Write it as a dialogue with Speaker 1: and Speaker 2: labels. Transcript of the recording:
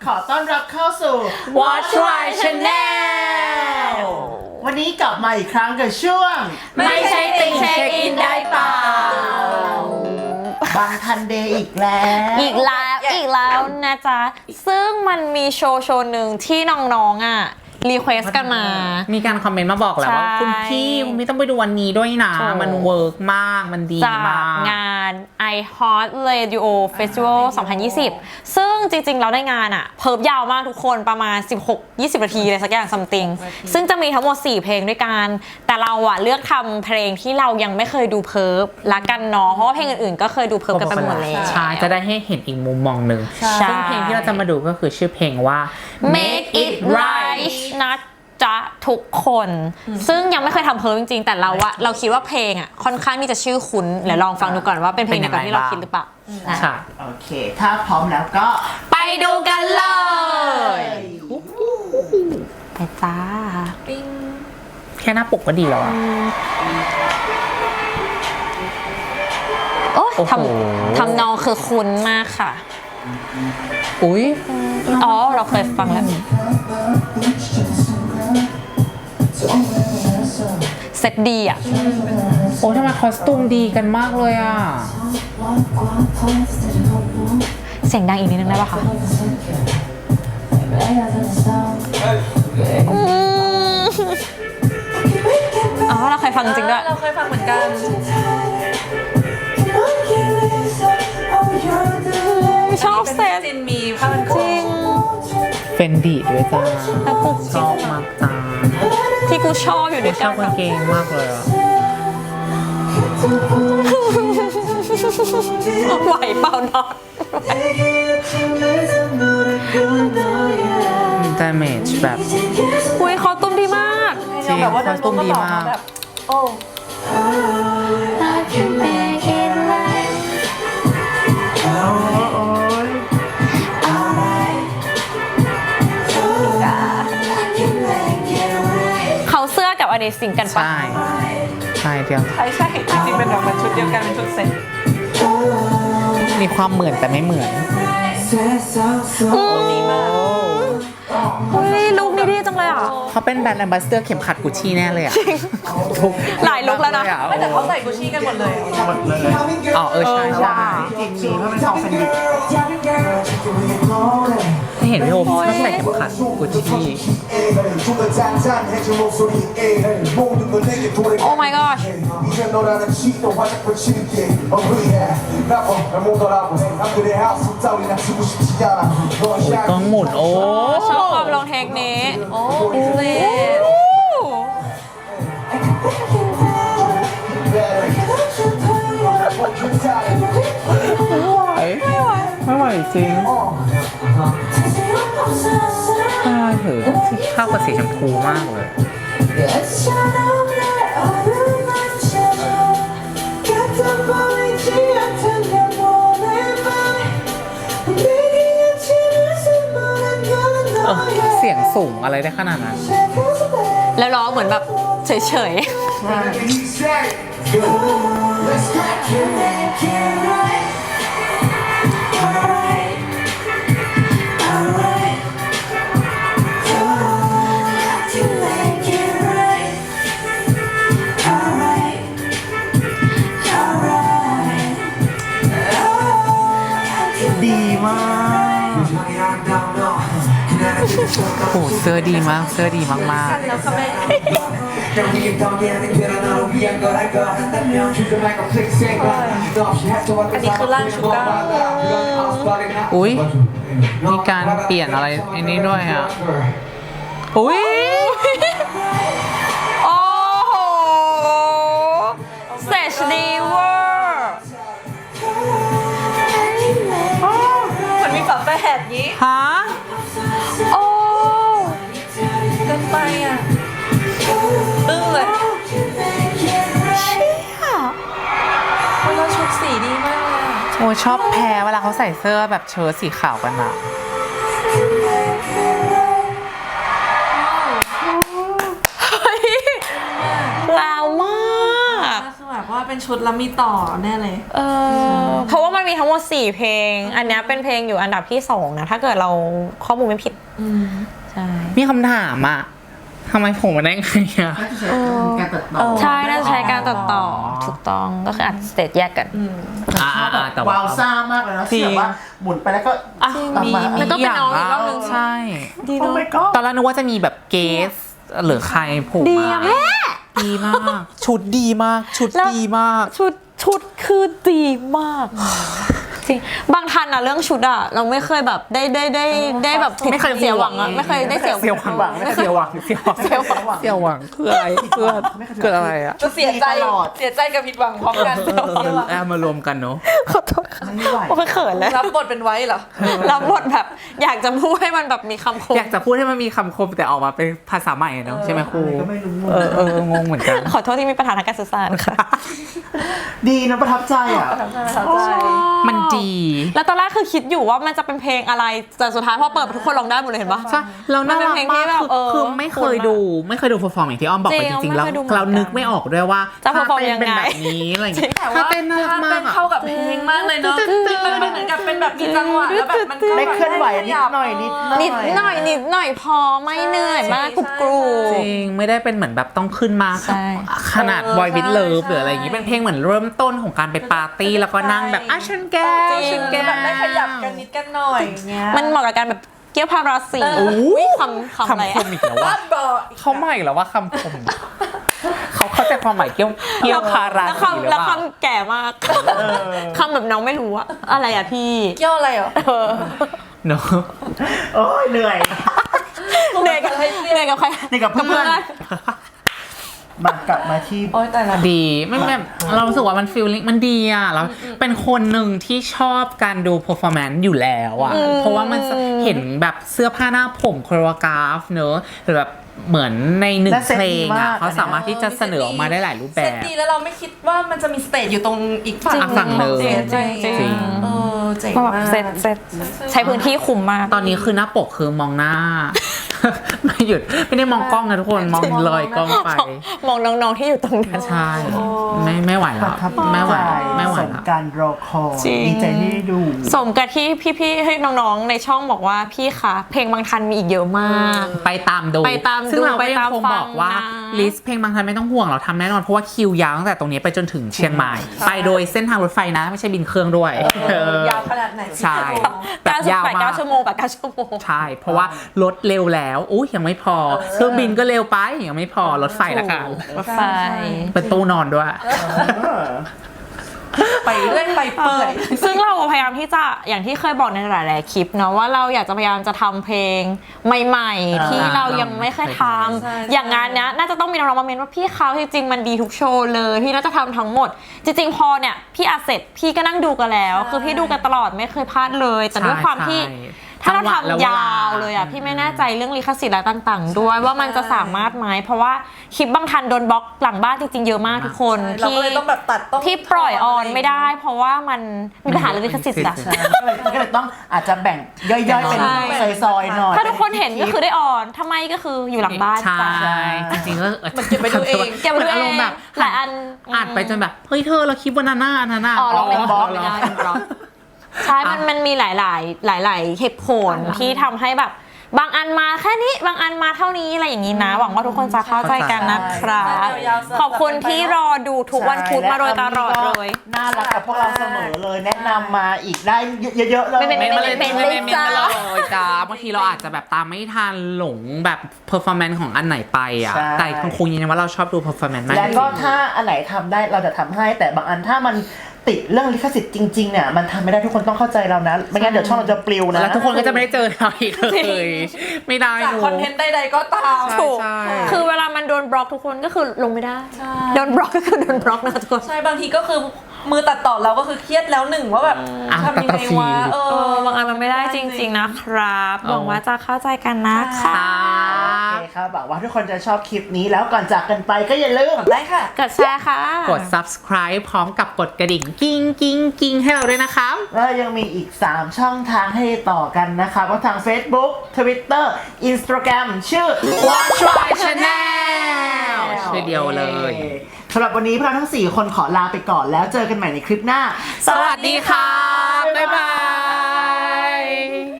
Speaker 1: ขอต้อนรับเข้าสู่
Speaker 2: Watch Why Channel
Speaker 1: วันนี้กลับมาอีกครั้งกับช่วง
Speaker 2: ไม่ใช่ติ่งเช็คอินได้เปล่า
Speaker 1: บางทันเดย์อีกแล้ว
Speaker 2: อีกแล้วนะจ๊ะ ซึ่งมันมีโชว์หนึ่งที่น้องๆรีเควสกันมา
Speaker 3: มีการคอมเมนต์มาบอกแหละว่าคุณพี่ต้องไปดูวันนี้ด้วยนะ มันเวิร์กมากมันดี
Speaker 2: จาก
Speaker 3: มาก
Speaker 2: งาน iHeart Radio Festival 2020 ซึ่งจริงๆเราได้งานเพิร์บยาวมากทุกคนประมาณ 16-20 นาทีอะไรสักอย่าง something ซึ่งจะมีทั้งหมด 4 เพลงด้วยกัน แต่เราเลือกทำเพลงที่เรายังไม่เคยดูเพิร์บละกันเนาะเพราะว่าเพลงอื่นๆก็เคยดูเพิร์บกันไปหมดแล้ว
Speaker 3: ใช่จะได้ให้เห็นอีกมุมมองหนึ่งซึ่งเพลงที่เราจะมาดูก็คือชื่อเพลงว่า
Speaker 2: Make It Right นะจ๊ะทุกคน ซึ่งยังไม่เคยทำเพิร์บจริงๆแต่เราคิดว่าเพลงค่อนข้างที่จะชื่อคุ้นเดี๋ยวลองฟังดูก่อนว่าเป็นเพลงเดียวกับที่เราคิดหรือเปล่า
Speaker 3: ใช่
Speaker 1: โอเค ถ้าพร้อมแล้วก็
Speaker 2: ไปดูกันเลยไปจ้า
Speaker 3: แค่หน้าปกก็ดีแล้วอะ
Speaker 2: โอ้ย
Speaker 3: โอ้โห
Speaker 2: ทำนองคือคุ้นมากค่ะ
Speaker 3: อุ้ย
Speaker 2: อ๋อเราเคยฟังแล้วเซ็ตดีอ่ะ
Speaker 3: โอ้ทำไมคอสตูมดีกันมากเลยอ่ะ
Speaker 2: เสียงดังอีกนิดนึงได้ป่ะคะอ๋อเราเคยฟังจริงด้วย
Speaker 4: เราเคยฟังเหมือนกัน
Speaker 2: ชอบเซ็ต
Speaker 4: จินมีผ้าพันคอ
Speaker 2: จริง
Speaker 3: เฟนดีด้วยจ้า
Speaker 2: แล้วกู
Speaker 3: ชอบมากจ้า
Speaker 2: ที่กูชอบอยู่ด้วย
Speaker 3: ช
Speaker 2: กั
Speaker 3: อน บกางเกงมากเลยอ่ะ
Speaker 2: ไหวเปล่าเนาะ
Speaker 3: damage แบบ
Speaker 2: อุ้ยเขาตุ้มดีมาก
Speaker 3: จริง
Speaker 4: แบบว่า
Speaker 3: ค
Speaker 4: เดิ
Speaker 3: อน ส
Speaker 4: ล
Speaker 3: ตู
Speaker 4: ง
Speaker 3: ม
Speaker 4: ก็
Speaker 3: ดี
Speaker 4: หล่อ
Speaker 3: มาก
Speaker 4: แบบโอ้
Speaker 2: เขาเสื้อกับอเดซิงกันปะ
Speaker 3: ใช่ใช่เดียว
Speaker 4: ใช่จริงๆเป็นแบบมันชุดเดียวกันเป็นชุดเซ็ต
Speaker 3: มีความเหมือนแต่ไม่เหมือน
Speaker 4: ดีมาก
Speaker 2: เฮ้ยลุคนี้ดีจังเลยอ่ะ
Speaker 3: เขาเป็นแบรนด์แอมบาสเดอร์เข็มขัดกุชชี่แน่เลยอ่ะ
Speaker 2: หลายลุคแล้วนะ
Speaker 4: ไม่แต่เขาใส่กุชชี่กันหมดเลย
Speaker 1: หมดเลย
Speaker 3: อ๋อใช่ใช่
Speaker 1: จริงมีเพราะเป็นซองเฟนดิ
Speaker 3: ถ้าเห็นพี่โอมชอบใส่เข็มขัดกุชชี่
Speaker 2: โอ้ my gosh
Speaker 3: ต้องหมุนโอ้
Speaker 2: ชอบความลองเทคนี้
Speaker 4: โอ้อิสเลต
Speaker 3: ไม่ไหวจริงใช่เถอะเข้ากับสีชมพูมากเลย เสียงสูงอะไรได้ขนาดนั้น
Speaker 2: แล้วร้องเหมือนแบบเฉย
Speaker 1: ดีมาก
Speaker 3: โอ้เสื้อดีมาก เสื้อดีมาก
Speaker 4: แล้วค่ะแม่ อันนี้คือร่างชูก้า
Speaker 3: ๆ อุ้ยมีการเปลี่ยนอะไรอันนี้ด้วยอ่ะ อุ้ย
Speaker 2: ๆ โอ้โหเซชดีเวอร์
Speaker 4: เหมือนมีฝาแฝดนี้
Speaker 3: ฮะ
Speaker 2: โอ้
Speaker 4: เกินไปอ่ะอึ้งเลยแล้วชุดสีดีมากเลยอะ
Speaker 3: โอ้ชอบแพ้เวลาเขาใส่เสื้อแบบเชิ้ตสีขาวกันอะ
Speaker 2: เฮ้ยลาวมาก
Speaker 4: คือแบบว่าเป็นชุดแล้วมีต่อแน่เลย
Speaker 2: เพราะว่ามันมีทั้งหมด4เพลง อันเนี้ยเป็นเพลงอยู่อันดับที่2นะถ้าเกิดเราข้อมูลไม่ผิดใช่
Speaker 3: มีคำถามอ่ะทำไมผมมาได้ไงอ่ะ
Speaker 1: น่าจะใช้การตัดต่อ
Speaker 2: ใช่น่าจะใช้การตัดต่อถูกต้องก็คืออัดสเตจแยกกัน
Speaker 3: แต่
Speaker 1: วาวซ่ามากเลยนะ
Speaker 3: จริง
Speaker 1: ที่แบบว่าหมุนไปแล้วก็กลับมา
Speaker 2: แล้วก็เป็นน้องอีกรอบนึง
Speaker 3: ใช่
Speaker 2: ดี
Speaker 1: โอ้
Speaker 2: เนาะ
Speaker 1: my god
Speaker 3: ตอนแรกนึกว่าจะมีแบบเกสหรือใครโผล่
Speaker 2: ดี
Speaker 3: มา
Speaker 2: อะแม่
Speaker 3: ดีมาก ชุดดีมาก ชุด
Speaker 2: แล้ว
Speaker 3: ดีมาก
Speaker 2: ชุดคือดีมากจริงบางทันอะเรื่องชุดอะเราไม่เคยแบบได้แบบ
Speaker 3: ไม่เคย
Speaker 2: เสียหวังอะไม่เคยได้เสีย
Speaker 3: เสียวหวังเสียวหวังเสียวหวัง
Speaker 2: เสียหวัง
Speaker 3: เสียวหวังคืออะไรเพื่อนเกิดอะไรอ่ะ
Speaker 4: จะเสียใจกับผิดหวังพร้อมกัน
Speaker 3: มารวมกันเนาะ
Speaker 2: ขอโทษค่ะ
Speaker 1: ไม่ไหว
Speaker 2: โอ้ยเขินเลย
Speaker 4: รับบทเป็นไว้เหรอ
Speaker 2: รับบทแบบอยากจะพูดให้มันแบบมีคำคม
Speaker 3: อยากจะพูดให้มันมีคำคมแต่ออกมาเป็นภาษาใหม่เนาะใช่ไหมครู
Speaker 1: ก็ไม่รู้
Speaker 3: งงเหมือนกัน
Speaker 2: ขอโทษที่มีปัญหาทางการสื่อสารค่ะ
Speaker 1: ดีนะประทับใจอ่ะ
Speaker 3: มันดี
Speaker 2: แล้วตอนแรกคือคิดอยู่ว่ามันจะเป็นเพลงอะไรแต่สุดท้ายพอเปิดทุกคนร้องได้หมดเลยเห็นปะ
Speaker 3: ใช่เราน่ารัก
Speaker 2: มันเป็นเพลงที่
Speaker 3: มาก
Speaker 2: แบบ
Speaker 3: คือไม่เคยดูเพอร์ฟอร์มอย่างที่อ้อมบอกไป
Speaker 2: จริง
Speaker 3: จริงๆแล้ว
Speaker 2: ไม่เคยดูเหมือนกัน
Speaker 3: เรานึกไม่ออกด้วยว่า
Speaker 2: จะ
Speaker 3: ถ้า
Speaker 2: perform
Speaker 3: เต้นเป็น
Speaker 2: ยังไง
Speaker 3: แบบนี้อะไรอย่างเงี้ย
Speaker 4: แต่
Speaker 3: ถ้า
Speaker 4: ว่า
Speaker 3: เต้นน่ารัก
Speaker 4: ถ้า
Speaker 3: มา
Speaker 4: เต้
Speaker 3: ก
Speaker 4: น
Speaker 3: อะ
Speaker 4: เข้ากับเพลงมากเลยเนาะมันเหมือนกับเป็นแบบมีจังหวะแล้วแบบมันก็
Speaker 1: ได้เคลื่อนไหวนิดหน่อย
Speaker 2: นิดหน่อยพอไม่เหนื่อยมากกรุบกรู
Speaker 3: จริงไม่ได้เป็นเหมือนแบบต้องขึ้นมา
Speaker 2: ใช่
Speaker 3: ขนาดบอยวิดเลิฟหรืออะไรอย่างงี้เป็นเพลงเหมือนเริ่มต้นของการไปปาร์ตี้แล้วก็นั่งแบบฉันแก้วฉันแก้ว
Speaker 4: แบบได้ขยับกันนิดกันหน่อยเงี้ย
Speaker 2: มันเหมาะกับการแบบเกี่ยวพาราสี
Speaker 3: โอ้ย
Speaker 2: คำอะไร
Speaker 3: คำค
Speaker 2: อะ
Speaker 3: มอีกแล้วว่า
Speaker 4: บอก
Speaker 3: เขาใหม่แล้วว่าคำคมเขาเข้าใจความหมายเกี่ยวคารา
Speaker 2: แล้ว
Speaker 3: สีหรือ
Speaker 2: แล้ว
Speaker 3: เปล่า
Speaker 2: คำแก่มากคำแบบน้องไม่รู้อะอะไรอะพี่
Speaker 4: เกี่ยวอะไรเหรอ
Speaker 3: เนอะ
Speaker 1: โอ้ยเหนื่อย
Speaker 2: เหนื่อยกับใคร
Speaker 1: เหนื่อยกับเพื่อน มากลับมาที่
Speaker 4: โอ๊ยแต่ละ
Speaker 3: ดีไม่แบบเรารู้สึกว่ามันฟีลลิ่งมันดีอ่ะแล้วเป็นคนหนึ่งที่ชอบการดู performance อยู่แล้วอ่ะเพราะว่ามันเห็นแบบเสื้อผ้าหน้าผมโคโรกราฟเนอะหรือแบบเหมือนในหนึ่ง
Speaker 1: และเซ็ต
Speaker 3: เพล
Speaker 1: ดี
Speaker 3: ง
Speaker 1: มา
Speaker 3: อ่ะ
Speaker 1: ก
Speaker 3: เขาสามารถที่จะเสนอออกมาได้หลายรูปแบ
Speaker 4: เซต
Speaker 3: บ
Speaker 4: ดีแล้วเราไม่คิดว่ามันจะมีสเตจอยู่ตรงอีกฝั่ง
Speaker 3: ฝั่งหนึ่ง
Speaker 4: จริง
Speaker 3: จริง
Speaker 4: เจ๋ง
Speaker 2: มาแบบ
Speaker 4: มาก
Speaker 2: เซ็ตใช้พื้นที่คุมมาก
Speaker 3: ตอนนี้คือหน้าปกคือมองหน้า ไม่หยุดไม่ได้มองกล้องนะทุกคนมองลอยกล้องไป
Speaker 2: มองน้องๆที่อยู่ตรงนั้น
Speaker 3: ใช่ไม่ไหว
Speaker 1: ป
Speaker 3: แล้
Speaker 1: ระ
Speaker 3: ว
Speaker 1: ทับ
Speaker 3: ไม่ไหว
Speaker 1: ใจ
Speaker 3: ไม่ไหว
Speaker 1: สม
Speaker 3: แล้ว
Speaker 1: การรอคอย
Speaker 2: จริง
Speaker 1: ดีใจที่ได้ดู
Speaker 2: สมกับที่พี่ๆให้น้องๆในช่องบอกว่าพี่คะเพลงบางทันมีอีกเยอะมาก
Speaker 3: ไปตามดู
Speaker 2: ไปตามดู
Speaker 3: ซึ่งเราก็
Speaker 2: ไป
Speaker 3: ยัง
Speaker 2: ตาม
Speaker 3: คง
Speaker 2: ฟัง
Speaker 3: บอกว่า
Speaker 2: นะ
Speaker 3: ลิสต์เพลงบางทันไม่ต้องห่วงเราทำแน่นอนเพราะว่าคิวยาวตั้งแต่ตรงนี้ไปจนถึงเชียงใหม่ ไปโดยเส้นทางรถไฟนะไม่ใช่บินเครื่องด้วย
Speaker 4: ยาวขนาดไหน
Speaker 3: ใช่แบบยาวมาก
Speaker 2: 9 ชั่วโมงกับ9ชั่วโมง
Speaker 3: ใช่เพราะว่ารถเร็วแล้วอุ้ยยังไม่พอเครื่องบินก็เร็วไปยังไม่พอรถไฟละกัน
Speaker 2: รถไฟ
Speaker 3: เป็นตู้นอนด้วย
Speaker 4: ไปเรื่อยไปเปื่อย
Speaker 2: ซึ่งเราพยายามที่จะอย่างที่เคยบอกในหลายๆคลิปเนาะว่าเราอยากจะพยายามจะทำเพลงใหม่ๆ ที่เรายังไม่เคยท
Speaker 4: ใช่
Speaker 2: ำอย่างงานเนี้ยน่าจะต้องมีน้องๆมาเมนว่าพี่เขาจริงๆมันดีทุกโชว์เลยพี่น่าจะทำทั้งหมด จริงๆพอเนี่ยพี่อาเสร็จพี่ก็นั่งดูกันแล้ว คือพี่ดูกันตลอดไม่เคยพลาดเลย แต่ด้วยความที่ ถ้าเราทำยาวเลยอ่ะพี่ไม่แน่ใจเรื่องลิขสิทธิ์อะไรต่างๆ ด้วยว่ามันจะสามารถไหมเพราะว่าคลิปบางทันโดนบล็อกหลังบ้านจริงๆเยอะมากทุกคน
Speaker 4: เราก็เลยต้องแบบตัดต้อง
Speaker 2: ที่ปล่อยออนไม่ได้ เพราะว่ามันมีปัญหาเรื่องลิขสิทธิ์อะ
Speaker 1: ใช่ก็เลยต้องอาจจะแบ่งย่อยๆ เป็น
Speaker 2: ใช่
Speaker 1: ซอยๆหน่อย
Speaker 2: ถ้าทุกคนเห็นก็คือได้ออนถ้าไม่ก็คืออยู่หลังบ้าน
Speaker 3: ใช่
Speaker 2: จ้ะ
Speaker 3: จริงๆก็
Speaker 4: มันเก็บไปดูเอง
Speaker 2: เก็บไว้ดูเอง
Speaker 3: หมืนอารมณ์แบบ
Speaker 2: หลายอัน
Speaker 3: อัดไปจนแบบเฮ้ยเธอเราคลิปวันนั้นน่ะอันนั้นน่ะ
Speaker 2: อ๋อเราเป็นบล็อก
Speaker 3: เหร
Speaker 2: ไม่ได้เป็นบล็อกใช่มันมีหลายเหตุผลที่ทำให้แบบ บางอันมาแค่นี้บางอันมาเท่านี้อะไรอย่างนี้นะ หวังว่าทุกคนจะเข้าใจกันนะครับ ขอบคุณที่รอดูทุกวันพุธมาโดยตลอดเลย
Speaker 1: น่ารักกับพวกเราเสมอเลย แนะนำมาอีกได้เยอะๆเลย
Speaker 2: ไม่
Speaker 3: ไม่มาเลย
Speaker 2: ไม่
Speaker 3: ไม่
Speaker 2: ไม่
Speaker 3: ไม่
Speaker 2: ไม่
Speaker 3: ไม่
Speaker 2: จ้า
Speaker 3: เลยจ้าบางทีเราอาจจะแบบตามไม่ทันหลงแบบเพอร์ฟอร์แมนซ์ของอันไหนไปอ่ะ
Speaker 1: ใช่
Speaker 3: แต่คงยืนยันว่าเราชอบดูเพอร์ฟอร์แมนซ์มาก
Speaker 1: และก็ถ้าอันไหนทำได้เราจะทำให้แต่บางอันถ้ามันติดเรื่องลิขสิทธิ์จริงๆเนี่ยมันทำไม่ได้ทุกคนต้องเข้าใจเรานะไม่งั้นเดี๋ยวช่องเราจะปลิวนะ
Speaker 3: แล้วทุกคนก็จะไม่ได้เจอเราอีกเลยไม่ได้
Speaker 4: จาก
Speaker 3: หนู
Speaker 4: คอนเทนต์ใดๆก็ตาม
Speaker 2: ถูก
Speaker 3: ใช่
Speaker 2: คือเวลามันโดนบล็อกทุกคนก็คือลงไม่ได้
Speaker 4: ใช่
Speaker 2: โดนบล็อกก็คือโดนบล็อกนะทุกคน
Speaker 4: ใช่บางทีก็คือมือตัดต่อเราก็คือเครียดแล้วหนึ่งว่าแบบทำยังไงวะ
Speaker 2: บางอันมันไม่ได้จริงๆนะครับหวังว่าจะเข้าใจกันนะคะ
Speaker 1: โอเคครับหวังว่าทุกคนจะชอบคลิปนี้แล้วก่อนจากกันไปก็อย่าลืม
Speaker 4: ได้ค่ะ
Speaker 2: กดแชร์ค่ะ
Speaker 3: กด subscribe พร้อมกับกดกระดิ่งกิ้งกิ้งกิ้งให้เราด้วยนะครับ
Speaker 1: แล้วยังมีอีก 3 ช่องทางให้ต่อกันนะคะก็ทาง Facebook Twitter Instagram ชื่อ
Speaker 3: Watch My Channel ชื่อเดียวเลย
Speaker 1: สำหรับวันนี้พวกเราทั้ง4คนขอลาไปก่อนแล้วเจอกันใหม่ในคลิปหน้า
Speaker 3: สวัสดีค่ะ บ๊ายบาย